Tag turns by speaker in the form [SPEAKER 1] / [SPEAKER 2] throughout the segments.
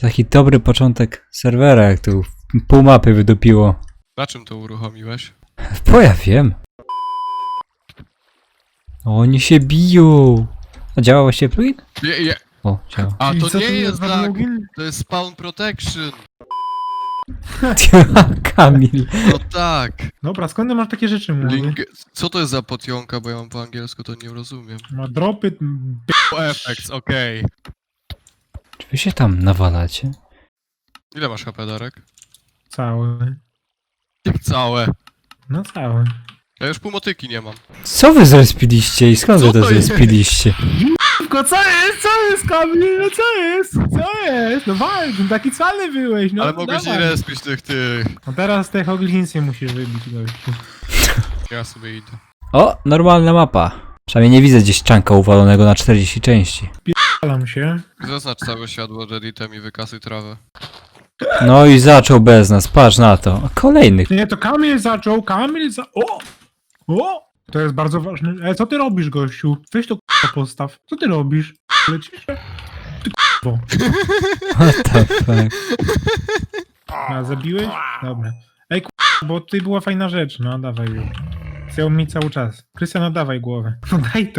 [SPEAKER 1] Taki dobry początek serwera, jak tu pół mapy wydupiło.
[SPEAKER 2] Na czym to uruchomiłeś?
[SPEAKER 1] Bo ja wiem. Oni się biją. A działa właściwie plugin? O, działa.
[SPEAKER 2] A
[SPEAKER 3] I
[SPEAKER 2] to
[SPEAKER 3] co
[SPEAKER 2] nie
[SPEAKER 3] tu
[SPEAKER 2] jest
[SPEAKER 3] za
[SPEAKER 2] tak,
[SPEAKER 3] plugin?
[SPEAKER 2] to jest spawn protection.
[SPEAKER 1] Kamil.
[SPEAKER 2] No tak.
[SPEAKER 3] Dobra, skąd ty masz takie rzeczy, mówię?
[SPEAKER 2] Co to jest za potionka, bo ja mam po angielsku, to nie rozumiem.
[SPEAKER 3] Ma dropy...
[SPEAKER 2] Effects, okej.
[SPEAKER 1] Czy wy się tam nawalacie?
[SPEAKER 2] Ile masz HP, Darek?
[SPEAKER 3] Cały.
[SPEAKER 2] Jak całe.
[SPEAKER 3] No cały.
[SPEAKER 2] Ja już pół motyki nie mam.
[SPEAKER 1] Co wy zrespiliście i skąd
[SPEAKER 2] Co
[SPEAKER 1] wy to
[SPEAKER 2] to jest?
[SPEAKER 1] zrespiliście?
[SPEAKER 3] Tylko co jest, Kamil? No co jest? Co jest? No walcz, no taki cwany byłeś, no
[SPEAKER 2] Ale mogłeś nie
[SPEAKER 3] dawaj.
[SPEAKER 2] respić tych.
[SPEAKER 3] No teraz te hoglinsy musisz wybić, gościu.
[SPEAKER 2] Ja sobie idę.
[SPEAKER 1] O, normalna mapa. Przynajmniej nie widzę gdzieś czanka uwalonego na 40 części.
[SPEAKER 3] Palam się.
[SPEAKER 2] Zaznacz całe światło Redditem i wykasuj trawę.
[SPEAKER 1] No i zaczął bez nas, patrz na to. A kolejny.
[SPEAKER 3] Nie, to Kamil zaczął, O! O! To jest bardzo ważne. Co ty robisz, gościu? Weź to k***a postaw. Co ty robisz? Lecisz? Ty k***o.
[SPEAKER 1] What the fuck?
[SPEAKER 3] A, zabiłeś? Dobra. Ej, k***a, bo tutaj była fajna rzecz. No, dawaj już. Chciał mi cały czas. Krystian, no dawaj głowę. No daj to.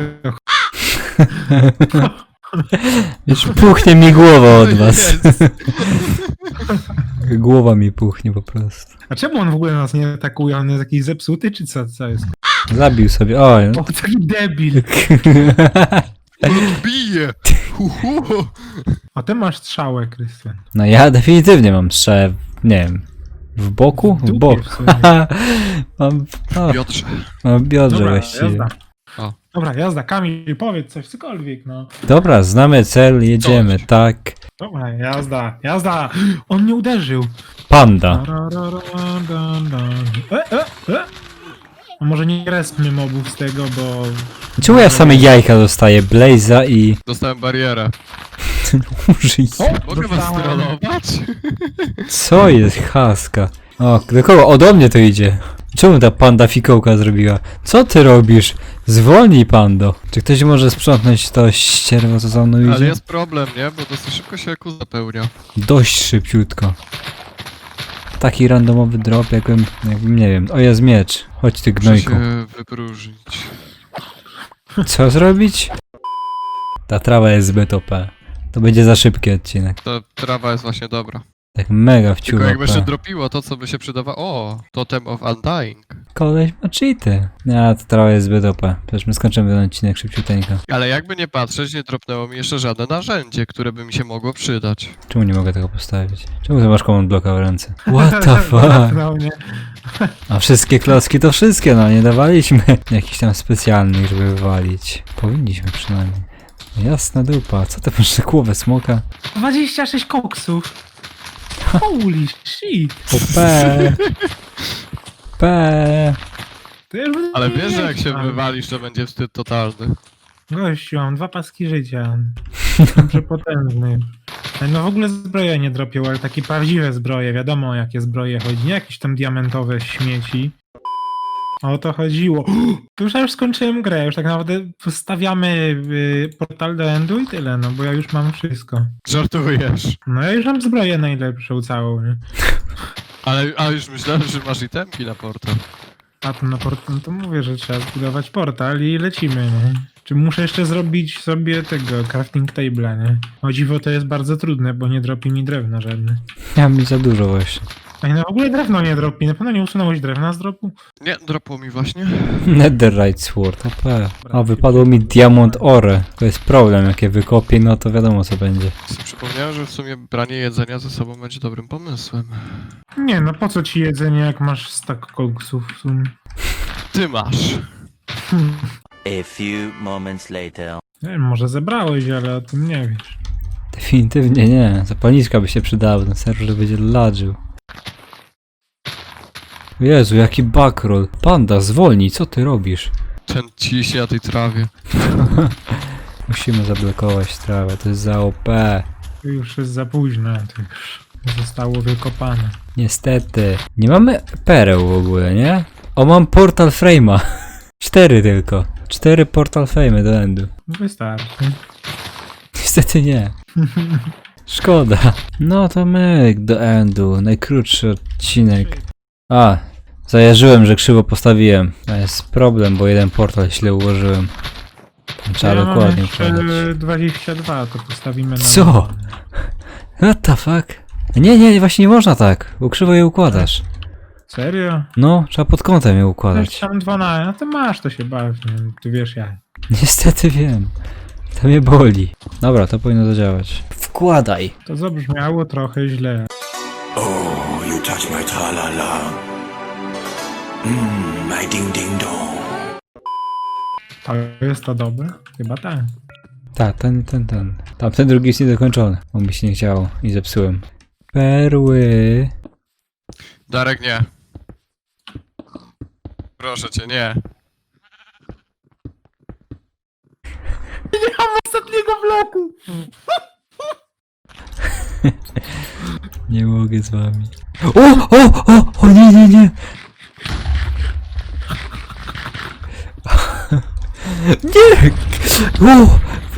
[SPEAKER 1] Już puchnie mi głowa od was.
[SPEAKER 2] Jest.
[SPEAKER 1] Głowa mi puchnie po prostu.
[SPEAKER 3] A czemu on w ogóle nas nie atakuje? On jest jakiś zepsuty, czy co jest?
[SPEAKER 1] Zabił sobie, oj.
[SPEAKER 3] O, taki debil.
[SPEAKER 2] Bije!
[SPEAKER 3] A ty masz strzałę, Krystian.
[SPEAKER 1] No ja definitywnie mam strzałę, nie wiem, w boku? W
[SPEAKER 3] dupie
[SPEAKER 1] bok.
[SPEAKER 3] w sumie.
[SPEAKER 1] Mam, no,
[SPEAKER 2] Piotrze.
[SPEAKER 1] mam w biodrze
[SPEAKER 3] Dobra,
[SPEAKER 1] właściwie.
[SPEAKER 3] jazda.
[SPEAKER 2] O.
[SPEAKER 3] Dobra, jazda. Kamil, powiedz coś, cokolwiek, no.
[SPEAKER 1] Dobra, znamy cel, jedziemy,
[SPEAKER 2] Coś.
[SPEAKER 1] tak.
[SPEAKER 3] Dobra, jazda. On nie uderzył.
[SPEAKER 1] Panda.
[SPEAKER 3] A może nie respmy mobów z tego, bo...
[SPEAKER 1] Czemu ja same jajka dostaję? Blaze'a i...
[SPEAKER 2] Dostałem barierę.
[SPEAKER 1] Użyj.
[SPEAKER 2] Mogę was
[SPEAKER 3] Dostałem.
[SPEAKER 2] strollować?
[SPEAKER 1] Co jest haska? O, do kogo? O, do mnie to idzie. Czemu ta panda fikołka zrobiła? Co ty robisz? Zwolnij, pando. Czy ktoś może sprzątnąć to ścierwo, co za mną
[SPEAKER 2] Ale
[SPEAKER 1] idzie?
[SPEAKER 2] jest problem, nie? Bo dosyć szybko się jaku zapełnia.
[SPEAKER 1] Dość szybciutko. Taki randomowy drop, jakbym nie wiem. O, jest miecz. Chodź ty
[SPEAKER 2] Muszę
[SPEAKER 1] gnojku.
[SPEAKER 2] się wypróżnić.
[SPEAKER 1] Co zrobić? Ta trawa jest zbyt OP. To będzie za szybki odcinek.
[SPEAKER 2] Ta trawa jest właśnie dobra.
[SPEAKER 1] Tak mega
[SPEAKER 2] Tylko
[SPEAKER 1] wciula
[SPEAKER 2] jakby jeszcze
[SPEAKER 1] OP.
[SPEAKER 2] dropiło to, co by się przydawało. O, Totem of Undying.
[SPEAKER 1] Koleś ma cheaty. Nie, ta trawa jest zbyt OP. Przecież my skończymy ten odcinek szybciuteńko.
[SPEAKER 2] Ale jakby nie patrzeć, nie dropnęło mi jeszcze żadne narzędzie, które by mi się mogło przydać.
[SPEAKER 1] Czemu nie mogę tego postawić? Czemu ty masz command blocka w ręce? What the fuck?
[SPEAKER 3] No, nie.
[SPEAKER 1] A wszystkie klocki to wszystkie, no nie dawaliśmy jakichś tam specjalnych, żeby wywalić. Powinniśmy przynajmniej. Jasna dupa, co ty masz na głowę smoka?
[SPEAKER 3] 26 koksów. Holy shit.
[SPEAKER 1] P. P.
[SPEAKER 3] To ja już będę
[SPEAKER 2] Ale wiesz, że jak
[SPEAKER 3] wiedział.
[SPEAKER 2] się wywalisz, to będzie wstyd totalny.
[SPEAKER 3] Gościu, mam 2 paski życia. Jestem przepotężny. No w ogóle zbroje nie dropią, ale takie prawdziwe zbroje. Wiadomo o jakie zbroje chodzi. Nie jakieś tam diamentowe śmieci. O to chodziło. To już ja już skończyłem grę. Już tak naprawdę postawiamy portal do endu i tyle, no bo ja już mam wszystko.
[SPEAKER 2] Żartujesz.
[SPEAKER 3] No ja już mam zbroję najlepszą całą, nie?
[SPEAKER 2] Ale już myślałem, że masz itemki na portal.
[SPEAKER 3] A to na portal, no to mówię, że trzeba zbudować portal i lecimy, nie? Czy muszę jeszcze zrobić sobie tego crafting table'a, nie? O dziwo to jest bardzo trudne, bo nie dropi mi drewna żadne.
[SPEAKER 1] Ja mi za dużo właśnie.
[SPEAKER 3] A no w ogóle drewno nie dropi, na pewno nie usunąłeś drewna z dropu?
[SPEAKER 2] Nie, dropło mi właśnie.
[SPEAKER 1] Netherite Sword, OP. O, wypadło mi Diamond Ore. To jest problem, jak je wykopię, no to wiadomo co będzie.
[SPEAKER 2] Sobie przypomniałem, że w sumie branie jedzenia ze sobą będzie dobrym pomysłem.
[SPEAKER 3] Nie, no po co ci jedzenie, jak masz stack koksów w sumie?
[SPEAKER 2] Ty masz.
[SPEAKER 4] A few moments later.
[SPEAKER 3] Nie wiem, może zebrałeś, ale o tym nie wiesz.
[SPEAKER 1] Definitywnie nie. Zapalniczka by się przydała, ten serwer będzie ladżył. Jezu, jaki backroll. Panda, zwolnij, co ty robisz?
[SPEAKER 2] Ten ciśnie na tej trawie.
[SPEAKER 1] Musimy zablokować trawę, to jest za OP.
[SPEAKER 3] To już jest za późno, to już zostało wykopane.
[SPEAKER 1] Niestety. Nie mamy pereł w ogóle, nie? O, mam portal frame'a. 4 tylko. 4 portal frame'y do endu.
[SPEAKER 3] Wystarczy.
[SPEAKER 1] Niestety nie. Szkoda. No to myk do endu. Najkrótszy odcinek. A, zajarzyłem, że krzywo postawiłem. To jest problem, bo jeden portal źle ułożyłem. Trzeba
[SPEAKER 3] Ja mam
[SPEAKER 1] dokładnie
[SPEAKER 3] jeszcze
[SPEAKER 1] układać.
[SPEAKER 3] 22, to postawimy na...
[SPEAKER 1] Co? What the fuck? Nie, właśnie nie można tak, bo krzywo je układasz.
[SPEAKER 3] Serio?
[SPEAKER 1] No, trzeba pod kątem je
[SPEAKER 3] Weź
[SPEAKER 1] układać.
[SPEAKER 3] tam 12, no to masz, to się baw, nie? Ty wiesz jak.
[SPEAKER 1] Niestety wiem. To mnie boli. Dobra, to powinno zadziałać. Wkładaj.
[SPEAKER 3] To zabrzmiało trochę źle.
[SPEAKER 5] Oh, you touch my tra-la-la. My ding-ding-dong.
[SPEAKER 3] To jest to dobre? Chyba tak.
[SPEAKER 1] Tak, ten. Tamten drugi jest niedokończony, bo mi się nie chciało i zepsułem. Perły.
[SPEAKER 2] Darek, nie. Proszę cię, nie.
[SPEAKER 3] Ostatniego bloku!
[SPEAKER 1] Nie mogę z wami. O, nie. Nie! O,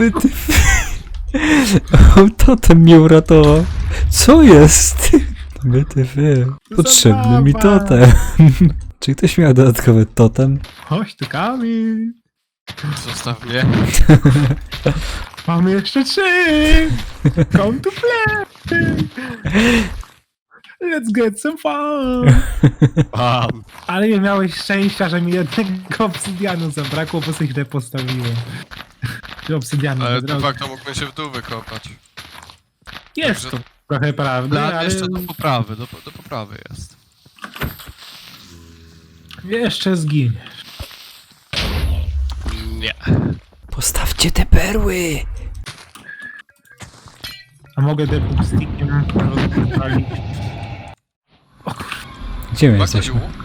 [SPEAKER 1] o, totem mnie uratował. Co jest? WTF. Potrzebny mi
[SPEAKER 3] Zabawa.
[SPEAKER 1] totem. Czy ktoś miał dodatkowy totem?
[SPEAKER 3] Chodź tu, Kamil!
[SPEAKER 2] Zostaw mnie.
[SPEAKER 3] Mamy jeszcze 3! Come to play! Let's get some fun!
[SPEAKER 2] Mam.
[SPEAKER 3] Ale nie miałeś szczęścia, że mi jednego obsydianu zabrakło, bo sobie źle postawiłem. Czy obsydianu
[SPEAKER 2] Ale
[SPEAKER 3] nie
[SPEAKER 2] de
[SPEAKER 3] drogi.
[SPEAKER 2] facto mógłbym się w dół wykopać.
[SPEAKER 3] Jest to trochę prawda,
[SPEAKER 2] No,
[SPEAKER 3] ale
[SPEAKER 2] jeszcze do poprawy, do poprawy jest.
[SPEAKER 3] jeszcze zginiesz.
[SPEAKER 2] Nie.
[SPEAKER 1] Postawcie te perły.
[SPEAKER 3] A mogę depuk stickiem rozwalić.
[SPEAKER 1] Gdzie my
[SPEAKER 2] Ma ktoś
[SPEAKER 1] jesteśmy?
[SPEAKER 2] łuk?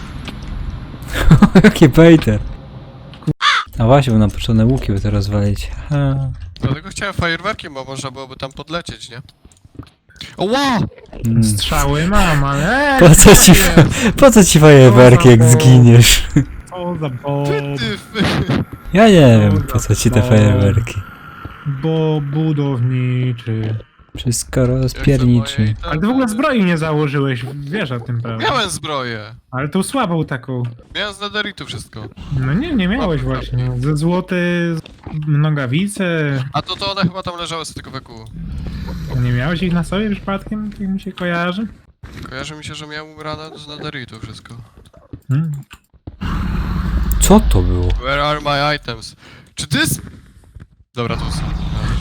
[SPEAKER 1] Jaki bejter. A właśnie, bo nam potrzebne łuki, by to rozwalić. Ha.
[SPEAKER 2] Dlatego chciałem fajerwerkiem, bo można byłoby tam podlecieć, nie? Oła!
[SPEAKER 3] Strzały mam, ale
[SPEAKER 1] Po co ci fajerwerki, jak zginiesz?
[SPEAKER 3] co za bob,
[SPEAKER 2] Ty,
[SPEAKER 1] Ja nie wiem, po co ci te fajerwerki.
[SPEAKER 3] bo budowniczy.
[SPEAKER 1] Wszystko rozpierniczy.
[SPEAKER 3] Ale ty w ogóle zbroi nie założyłeś, wiesz o tym, prawda?
[SPEAKER 2] Miałem zbroję.
[SPEAKER 3] Ale tą słabą taką.
[SPEAKER 2] Miałem z netherite'u wszystko.
[SPEAKER 3] No nie miałeś właśnie. Ze złoty, nogawice.
[SPEAKER 2] A to one chyba tam leżały z tego weku.
[SPEAKER 3] Nie miałeś ich na sobie przypadkiem? Tak mi się kojarzy?
[SPEAKER 2] Kojarzy mi się, że miałem ubrane z netherite'u wszystko.
[SPEAKER 3] Hmm.
[SPEAKER 1] Co to było?
[SPEAKER 2] Where are my items? Czy ty jest... Dobra, tu są.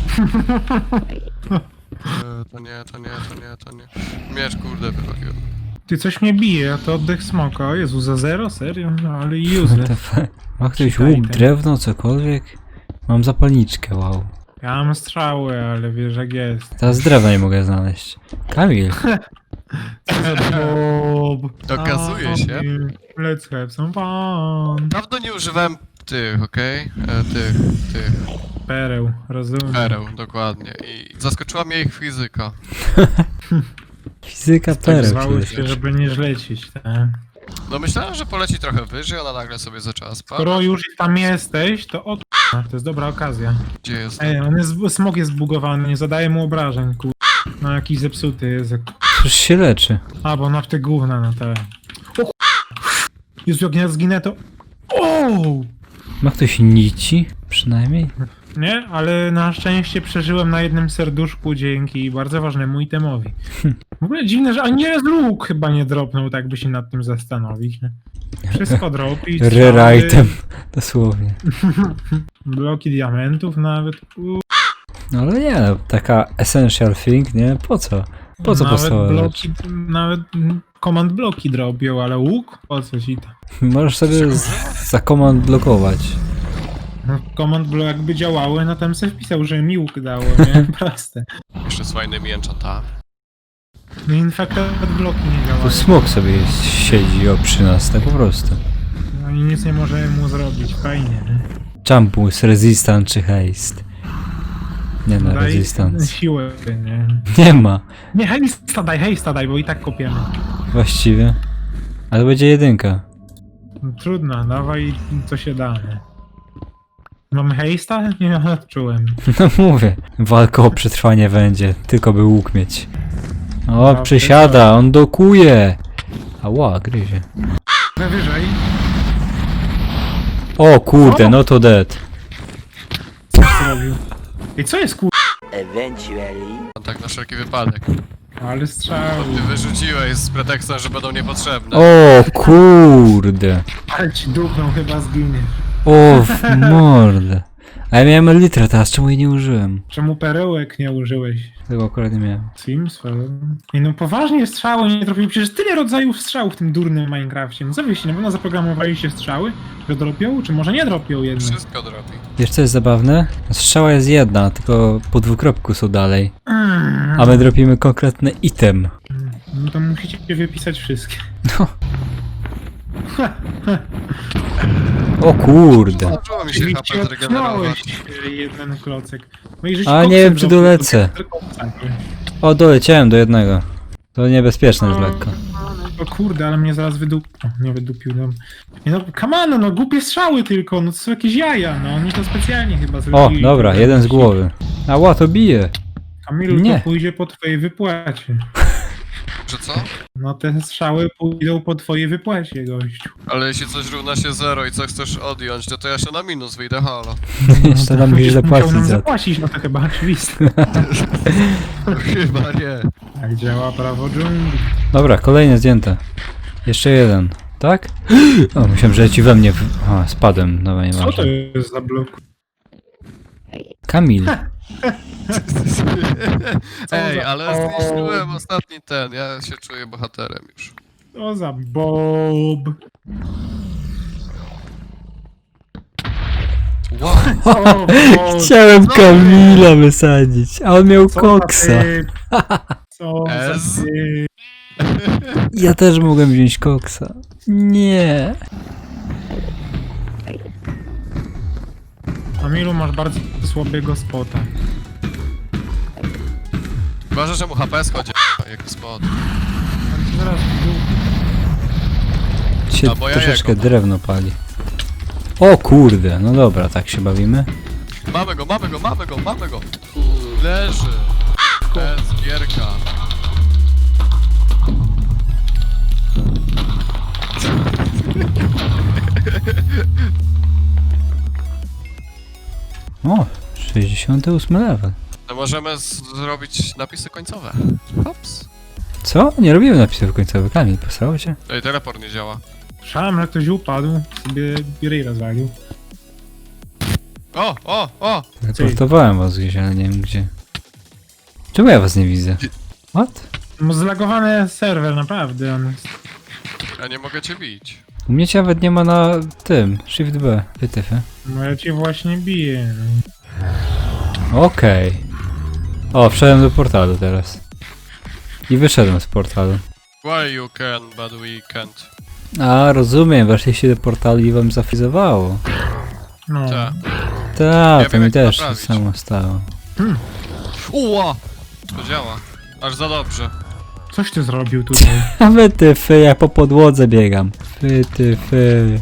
[SPEAKER 2] To nie. Miecz, kurde, wychodził.
[SPEAKER 3] Ty coś mnie bije, a to oddech smoka. O Jezu, za 0? Serio? No ale
[SPEAKER 1] What
[SPEAKER 3] useless.
[SPEAKER 1] the fuck? Ma ktoś
[SPEAKER 3] Czytaj
[SPEAKER 1] łuk,
[SPEAKER 3] ten.
[SPEAKER 1] drewno, cokolwiek? Mam zapalniczkę, wow.
[SPEAKER 3] Ja mam strzały, ale wiesz jak jest.
[SPEAKER 1] Teraz drewna nie mogę znaleźć. Kamil,
[SPEAKER 3] Bob.
[SPEAKER 2] Okazuje się.
[SPEAKER 3] Let's have some fun.
[SPEAKER 2] Dawno nie używałem tych, okej? Tych.
[SPEAKER 3] Pereł, rozumiem.
[SPEAKER 2] Pereł, dokładnie. I zaskoczyła mnie ich fizyka.
[SPEAKER 1] fizyka
[SPEAKER 3] Tak
[SPEAKER 1] pereł.
[SPEAKER 3] zwały
[SPEAKER 1] przede
[SPEAKER 3] się,
[SPEAKER 1] wszystkim.
[SPEAKER 3] żeby nie żlecić, tak?
[SPEAKER 2] No myślałem, że poleci trochę wyżej, ona nagle sobie zaczęła spać.
[SPEAKER 3] Skoro już tam jesteś, to to jest dobra okazja.
[SPEAKER 2] Gdzie jest?
[SPEAKER 3] Ej, smog jest zbugowany, nie zadaje mu obrażeń, No jakiś zepsuty jest.
[SPEAKER 1] Przecież się leczy.
[SPEAKER 3] A, bo na w te gówna, no te. Jezu, jak nie zginę, to... O!
[SPEAKER 1] Ma ktoś nici? Przynajmniej?
[SPEAKER 3] Nie, ale na szczęście przeżyłem na jednym serduszku dzięki bardzo ważnemu itemowi. W ogóle dziwne, że ani raz łuk chyba nie dropnął, tak by się nad tym zastanowić. Nie? Wszystko dropi.
[SPEAKER 1] Rare item. Dosłownie.
[SPEAKER 3] Bloki diamentów nawet.
[SPEAKER 1] No ale nie, no, taka essential thing, nie? Po co? Po co
[SPEAKER 3] Nawet
[SPEAKER 1] podstawowe
[SPEAKER 3] bloki, nawet command bloki drobią, ale łuk? Po co ci to?
[SPEAKER 1] Możesz sobie za command blokować.
[SPEAKER 3] No, command block jakby działały, no tam sobie wpisał, że mi łuk dało, nie? Proste.
[SPEAKER 2] Jeszcze z fajnymi enchantami.
[SPEAKER 3] No infected bloki nie
[SPEAKER 1] Tu
[SPEAKER 3] działają.
[SPEAKER 1] smok sobie jest, siedzi przy nas, tak po prostu.
[SPEAKER 3] No i nic nie możemy mu zrobić, fajnie. Nie?
[SPEAKER 1] Jump boost, resistant czy haste? Nie no,
[SPEAKER 3] Daj
[SPEAKER 1] resistance.
[SPEAKER 3] siłę, nie?
[SPEAKER 1] Nie ma,
[SPEAKER 3] Nie, hejsta daj, bo i tak kopiemy.
[SPEAKER 1] właściwie. Ale będzie jedynka.
[SPEAKER 3] No, trudno, dawaj co się da, nie? Mamy hejsta? Nie, odczułem.
[SPEAKER 1] No mówię, walka o przetrwanie będzie, tylko by łuk mieć. O,
[SPEAKER 3] No,
[SPEAKER 1] przysiada, on dokuje. Ała, gryzie.
[SPEAKER 3] Wyżej.
[SPEAKER 1] O kurde, no to dead.
[SPEAKER 3] Co zrobił? I co jest kur...
[SPEAKER 4] Eventually.
[SPEAKER 2] Tak na wszelki wypadek.
[SPEAKER 3] Ale strzał.
[SPEAKER 2] Ty wyrzuciłeś z pretekstem, że będą niepotrzebne.
[SPEAKER 1] O kurde.
[SPEAKER 3] Ale ci dupną chyba zginie.
[SPEAKER 1] O w mordę. A ja miałem litrę teraz, czemu jej nie użyłem?
[SPEAKER 3] Czemu perełek nie użyłeś?
[SPEAKER 1] Tego akurat nie miałem.
[SPEAKER 3] Sims? I no poważnie strzały nie trafili. Przecież tyle rodzajów strzałów w tym durnym Minecrafcie. No co wyście, na pewno zaprogramowaliście strzały, że dropią? Czy może nie dropią jednak?
[SPEAKER 2] Wszystko drobi.
[SPEAKER 1] Wiesz co jest zabawne? Strzała jest jedna, tylko po dwukropku są dalej. A my dropimy konkretny item.
[SPEAKER 3] No to musicie wypisać wszystkie.
[SPEAKER 1] No. O kurde.
[SPEAKER 2] Zaczęło mi się
[SPEAKER 3] Czyli
[SPEAKER 2] HP
[SPEAKER 3] ci
[SPEAKER 2] zregenerować.
[SPEAKER 3] odcinałeś jeden klocek. No i żeś
[SPEAKER 1] A
[SPEAKER 3] koksem
[SPEAKER 1] nie wiem, czy
[SPEAKER 3] zrobił,
[SPEAKER 1] dolecę.
[SPEAKER 3] to tylko koksakiem.
[SPEAKER 1] O, doleciałem do jednego. To niebezpieczne już lekko.
[SPEAKER 3] O kurde, ale mnie zaraz wydupił. Nie wydupił, no. Nie no, kamano, no głupie strzały tylko, no to są jakieś jaja, no. Oni to specjalnie chyba
[SPEAKER 1] O,
[SPEAKER 3] zrobili.
[SPEAKER 1] dobra, jeden z głowy. Ała, to bije.
[SPEAKER 3] Kamilu,
[SPEAKER 1] Nie.
[SPEAKER 3] to pójdzie po twojej wypłacie.
[SPEAKER 2] Że co?
[SPEAKER 3] No te strzały pójdą po twojej wypłacie, gościu.
[SPEAKER 2] Ale jeśli coś równa się 0 i co chcesz odjąć, to ja się na minus wyjdę, halo.
[SPEAKER 1] Jeszcze nam musisz
[SPEAKER 3] Musiał
[SPEAKER 1] zapłacić
[SPEAKER 3] nam
[SPEAKER 1] za to.
[SPEAKER 3] zapłacić, no to chyba oczywiste.
[SPEAKER 2] Chyba nie.
[SPEAKER 3] Tak działa prawo dżungli.
[SPEAKER 1] Dobra, kolejne zdjęte. Jeszcze jeden, tak? O, myślałem, że ci we mnie... A, spadłem, dobra, nie
[SPEAKER 3] Co to
[SPEAKER 1] ważne.
[SPEAKER 3] jest za blok?
[SPEAKER 1] Kamil.
[SPEAKER 2] Ej,
[SPEAKER 3] za-
[SPEAKER 2] ale
[SPEAKER 3] o.
[SPEAKER 2] zniszczyłem ostatni ten, ja się czuję bohaterem już.
[SPEAKER 3] Co za Bob?
[SPEAKER 2] Wow,
[SPEAKER 3] O, Bob.
[SPEAKER 1] Chciałem Kamila wysadzić, a on miał
[SPEAKER 3] Co za
[SPEAKER 1] koksa.
[SPEAKER 3] typ? Co za
[SPEAKER 2] Ez?
[SPEAKER 3] typ?
[SPEAKER 1] Ja też mogłem wziąć koksa. Nie.
[SPEAKER 3] Kamilu, masz bardzo słabego spota.
[SPEAKER 2] uważaj, że mu HP schodzi, jak spod.
[SPEAKER 3] On ci zaraz w dół.
[SPEAKER 1] Się
[SPEAKER 2] Albo ja
[SPEAKER 1] troszeczkę
[SPEAKER 2] jego.
[SPEAKER 1] drewno pali. O kurde, no dobra, tak się bawimy.
[SPEAKER 2] Mamy go, mamy go, mamy go, mamy go! Leży! To jest gierka.
[SPEAKER 1] O, 68 level.
[SPEAKER 2] To możemy zrobić napisy końcowe. Hops.
[SPEAKER 1] Co? Nie robimy napisów końcowych. Kamil, posrało cię?
[SPEAKER 2] Ej, teleport nie działa.
[SPEAKER 3] Słyszałem, że ktoś upadł, sobie ryj rozwalił.
[SPEAKER 2] O, o, o!
[SPEAKER 1] Reportowałem was gdzieś, ale nie wiem gdzie. Czemu ja was nie widzę? What?
[SPEAKER 3] No zlagowany serwer, naprawdę. On jest...
[SPEAKER 2] Ja nie mogę cię bić.
[SPEAKER 1] U mnie cię nawet nie ma na tym. Shift B. Wytyfy.
[SPEAKER 3] No ja cię właśnie biję.
[SPEAKER 1] Okej. O, wszedłem do portalu teraz. I wyszedłem z portalu.
[SPEAKER 2] Why you can, but we can't.
[SPEAKER 1] A, rozumiem, weszliście do portalu i wam zafrizowało.
[SPEAKER 3] No.
[SPEAKER 2] Tak.
[SPEAKER 1] Tak,
[SPEAKER 2] Ja
[SPEAKER 1] to
[SPEAKER 2] wiem,
[SPEAKER 1] mi
[SPEAKER 2] jak to
[SPEAKER 1] też to
[SPEAKER 2] naprawić.
[SPEAKER 1] samo stało.
[SPEAKER 2] Uła! To działa. Aż za dobrze.
[SPEAKER 3] Coś ty zrobił tutaj.
[SPEAKER 1] A wytyfy, ja po podłodze biegam. Wytyfy.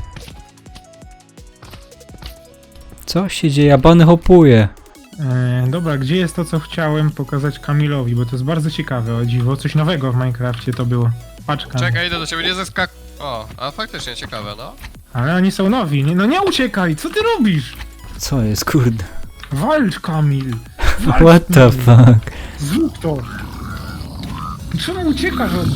[SPEAKER 1] Co się dzieje? Ja bany hopuję.
[SPEAKER 3] Dobra, gdzie jest to, co chciałem pokazać Kamilowi, bo to jest bardzo ciekawe, o dziwo. Coś nowego w Minecrafcie to było. Paczka.
[SPEAKER 2] Czekaj, idę do ciebie, nie zeskak... O, a faktycznie ciekawe, no.
[SPEAKER 3] Ale oni są nowi. Nie, no nie uciekaj, co ty robisz?
[SPEAKER 1] Co jest, kurde?
[SPEAKER 3] Walcz, Kamil. Walcz
[SPEAKER 1] What the
[SPEAKER 3] z nim.
[SPEAKER 1] fuck?
[SPEAKER 3] Zrób to. Czemu uciekasz od...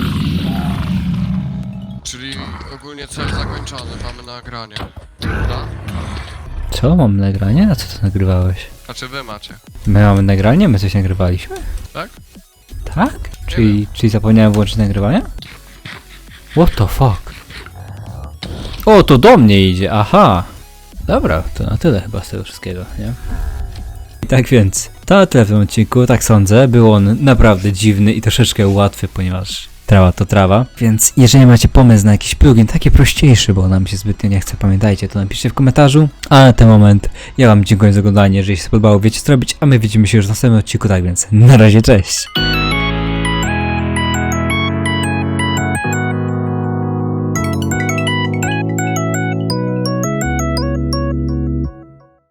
[SPEAKER 2] Czyli ogólnie cel zakończony, mamy nagranie. Prawda?
[SPEAKER 1] Co, mam nagranie? A co ty nagrywałeś?
[SPEAKER 2] Znaczy wy macie,
[SPEAKER 1] My mamy nagranie? My coś nagrywaliśmy?
[SPEAKER 2] tak?
[SPEAKER 1] Tak? Czyli zapomniałem włączyć nagrywanie? What the fuck? O, to do mnie idzie, aha! Dobra, to na tyle chyba z tego wszystkiego, nie? I tak więc, to tyle w tym odcinku, tak sądzę. Był on naprawdę dziwny i troszeczkę łatwy, ponieważ trawa to trawa. Więc jeżeli macie pomysł na jakiś plugin, taki prostszy, bo nam się zbytnio nie chce, pamiętajcie, to napiszcie w komentarzu. A na ten moment ja wam dziękuję za oglądanie, jeżeli się spodobało, wiecie co robić, a my widzimy się już w następnym odcinku, tak więc na razie, cześć!